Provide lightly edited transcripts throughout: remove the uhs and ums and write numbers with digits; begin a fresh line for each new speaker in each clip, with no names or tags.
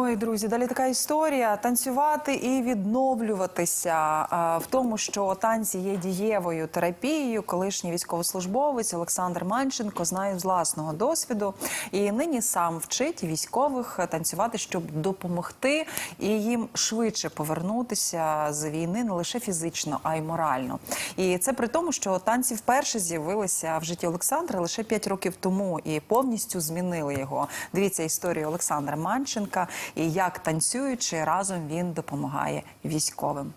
Ой, друзі, далі така історія. Танцювати і відновлюватися. В тому, що танці є дієвою терапією, колишній військовослужбовець Олександр Манченко знає з власного досвіду. І нині сам вчить військових танцювати, щоб допомогти і їм швидше повернутися з війни не лише фізично, а й морально. І це при тому, що танці вперше з'явилися в житті Олександра лише 5 років тому і повністю змінили його. Дивіться історію Олександра Манченка і як танцюючи разом він допомагає військовим.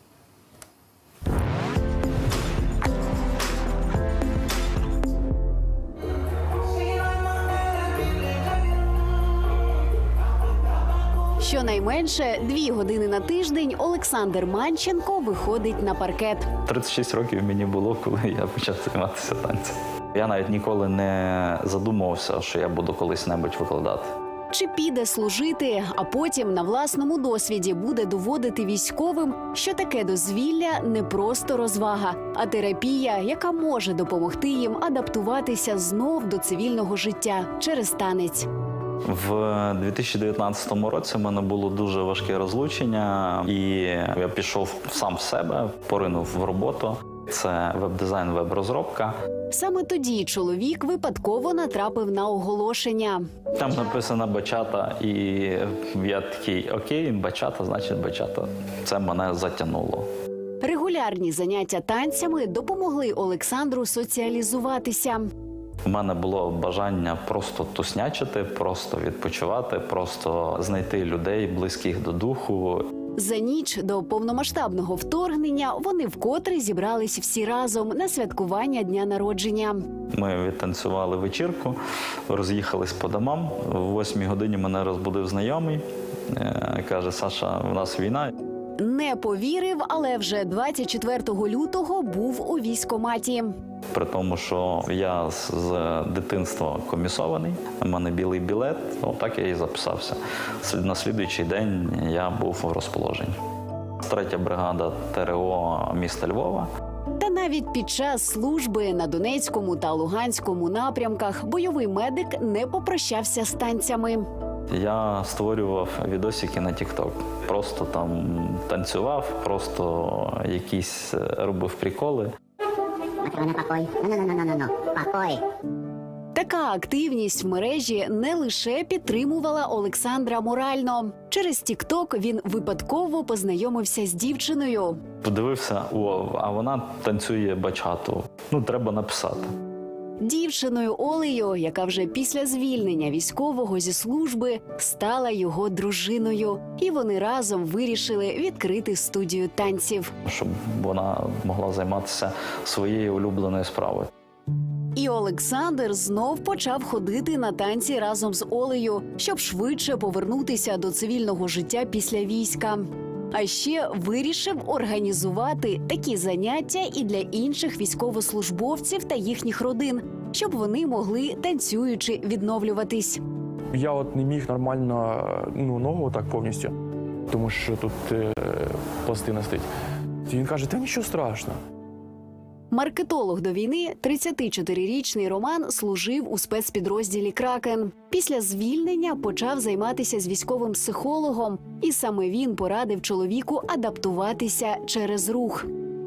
Щонайменше 2 години на тиждень Олександр Манченко виходить на паркет.
36 років мені було, коли я почав займатися танцем. Я навіть ніколи не задумувався, що я буду колись-небудь викладати.
Чи піде служити, а потім на власному досвіді буде доводити військовим, що таке дозвілля не просто розвага, а терапія, яка може допомогти їм адаптуватися знов до цивільного життя через танець.
В 2019 році в мене було дуже важке розлучення, і я пішов сам в себе, поринув в роботу. Це веб-дизайн, веб-розробка.
Саме тоді чоловік випадково натрапив на оголошення.
Там написано «бачата», і я такий «окей, бачата, значить бачата». Це мене затягнуло.
Регулярні заняття танцями допомогли Олександру соціалізуватися.
У мене було бажання просто туснячити, просто відпочивати, просто знайти людей, близьких до духу.
За ніч до повномасштабного вторгнення вони вкотре зібрались всі разом на святкування дня народження.
Ми відтанцювали вечірку, роз'їхались по домам. О 8 годині мене розбудив знайомий. Каже: «Саша, у нас війна».
Не повірив, але вже 24 лютого був у військкоматі.
При тому, що я з дитинства комісований, у мене білий білет, так я і записався. На слідуючий день я був у розположенні. 3-я бригада ТРО міста Львова.
Та навіть під час служби на Донецькому та Луганському напрямках бойовий медик не попрощався з танцями.
Я створював відосики на TikTok. Просто там танцював, просто якісь робив приколи.
Така активність в мережі не лише підтримувала Олександра морально. Через TikTok він випадково познайомився з дівчиною.
Подивився, а вона танцює бачату. Треба написати.
Дівчиною Олею, яка вже після звільнення військового зі служби стала його дружиною. І вони разом вирішили відкрити студію танців.
Щоб вона могла займатися своєю улюбленою справою.
І Олександр знов почав ходити на танці разом з Олею, щоб швидше повернутися до цивільного життя після війська. А ще вирішив організувати такі заняття і для інших військовослужбовців та їхніх родин, щоб вони могли танцюючи відновлюватись.
Я не міг нормально ногу так повністю, тому що тут пластина стоїть. І він каже: «Та нічого страшного».
Маркетолог до війни, 34-річний Роман, служив у спецпідрозділі «Кракен». Після звільнення почав займатися з військовим психологом. І саме він порадив чоловіку адаптуватися через рух.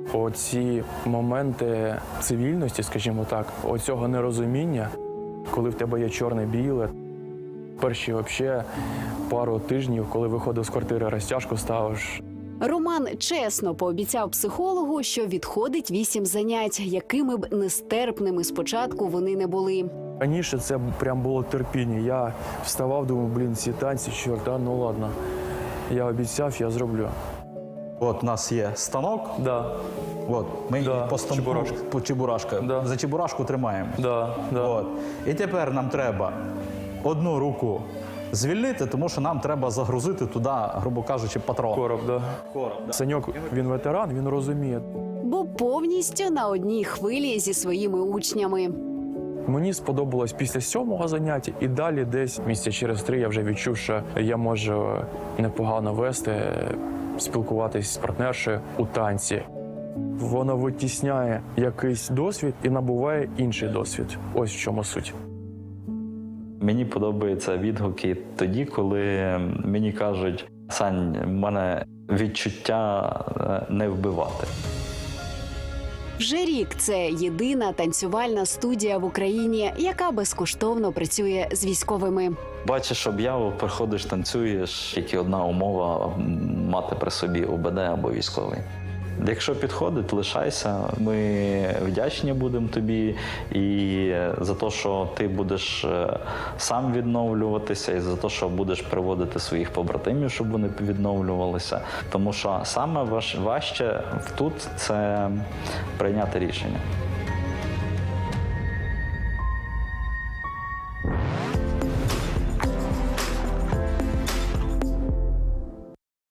Оці моменти цивільності, скажімо так, оцього нерозуміння, коли в тебе є чорне-біле, перші взагалі пару тижнів, коли виходив з квартири, розтяжку ставиш.
Роман чесно пообіцяв психологу, що відходить 8 занять, якими б нестерпними спочатку вони не були.
Раніше це прям було терпіння. Я вставав, думав, ці танці, чорт, ну ладно. Я обіцяв, я зроблю.
От у нас є станок.
Да.
От, ми по станку,
чебурашка.
по чебурашка.
Да.
За чебурашку тримаємо.
Да.
От. І тепер нам треба одну руку звільнити, тому що нам треба загрузити туди, грубо кажучи, патрон.
Короб, да. Саньок, він ветеран, він розуміє.
Бо повністю на одній хвилі зі своїми учнями.
Мені сподобалось після 7-го заняття, і далі десь місяця через 3 я вже відчув, що я можу непогано вести, спілкуватись з партнершею у танці. Воно витісняє якийсь досвід і набуває інший досвід. Ось в чому суть.
Мені подобаються відгуки тоді, коли мені кажуть: Сань, в мене відчуття не вбивати.
Вже рік це єдина танцювальна студія в Україні, яка безкоштовно працює з військовими.
Бачиш об'яву, приходиш, танцюєш, тільки одна умова – мати при собі ОБД або військовий. Якщо підходить, лишайся. Ми вдячні будемо тобі і за те, що ти будеш сам відновлюватися, і за те, що будеш приводити своїх побратимів, щоб вони відновлювалися. Тому що саме важче тут – це прийняти рішення.